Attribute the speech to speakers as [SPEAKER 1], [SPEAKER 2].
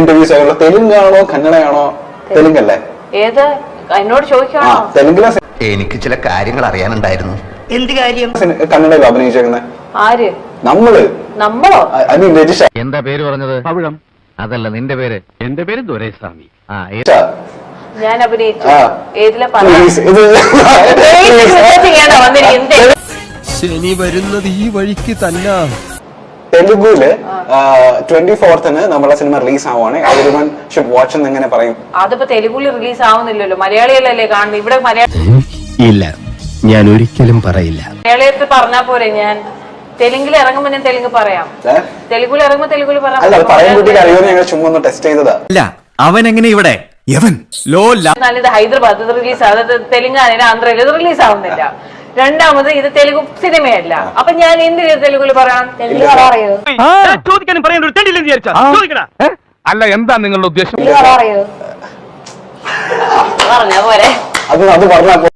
[SPEAKER 1] Interviews ആയുള്ള തെലുങ്കാണോ കന്നഡയാണോ? തെലുങ്കല്ലേ?
[SPEAKER 2] ഏത് എന്നോട് ചോദിക്കാണോ?
[SPEAKER 1] തെലുങ്കിലെ
[SPEAKER 3] എനിക്ക് ചില കാര്യങ്ങൾ അറിയാനുണ്ടായിരുന്നു.
[SPEAKER 4] എന്ത് കാര്യം?
[SPEAKER 1] കന്നഡയിൽ അഭിനയിച്ചേക്കുന്നത്
[SPEAKER 2] ആര്? നമ്മളോ?
[SPEAKER 1] രജിഷ.
[SPEAKER 5] എന്താ പേര് പറഞ്ഞത്? പവിഴം. അതല്ല നിന്റെ പേര്. എന്റെ പേര് ദുരൈസ്വാമി.
[SPEAKER 2] ഞാൻ അഭിനയിച്ചു.
[SPEAKER 1] ആ.
[SPEAKER 2] ഏതിലെ
[SPEAKER 6] ശനി വരുന്നത് ഈ വഴിക്ക് തന്നെ.
[SPEAKER 1] തെലുഗുല് 24th നമ്മളെ സിനിമ റിലീസ് ആവുകയാണ്. എവരിവൺ ഷുഡ് വാച്ച് എന്ന് എങ്ങനെ പറയും?
[SPEAKER 2] അതിപ്പോ തെലുഗുല് റിലീസ് ആവുന്നില്ലല്ലോ, മലയാളികളല്ലേ കാണുന്നത്. ഇവിടെ
[SPEAKER 6] ഇല്ല, ഞാൻ ഒരിക്കലും പറയില്ല.
[SPEAKER 2] മലയാളിയത്തിൽ പറഞ്ഞാ പോരെ. ഞാൻ തെലുങ്കിൽ ഇറങ്ങുമ്പോ ഞാൻ തെലുങ്ക് പറയാം, തെലുഗുൽ ഇറങ്ങുമ്പോ തെലുഗുൽ പറയാം.
[SPEAKER 1] പറയാൻ കുട്ടിക്ക് അറിയുമെന്ന് ഞങ്ങൾ ചുമ്മാ ഒന്ന് ടെസ്റ്റ് ചെയ്തതാ.
[SPEAKER 6] അല്ല, അവൻ എങ്ങനെ ഇവിടെ
[SPEAKER 2] ഇത് ഹൈദരാബാദ് ഇത് റിലീസ് ആവുന്നത്, തെലുങ്കാനയില് ആന്ധ്രയിൽ ഇത് റിലീസ് ആവുന്നില്ല. രണ്ടാമത് ഇത് തെലുഗു സിനിമയല്ല. അപ്പൊ ഞാൻ എന്തിന് തെലുഗുല് പറയാം? തെലുങ്ക് അറിയോ?
[SPEAKER 5] ചോദിക്കാനും പറയാൻ ഒരു തെണ്ടില്ലെന്ന് വിചാരിച്ചാ ചോദിക്കടാ. അല്ല, എന്താ നിങ്ങളുടെ ഉദ്ദേശം?
[SPEAKER 2] പറഞ്ഞ പോരെ.
[SPEAKER 1] അത് പറഞ്ഞാ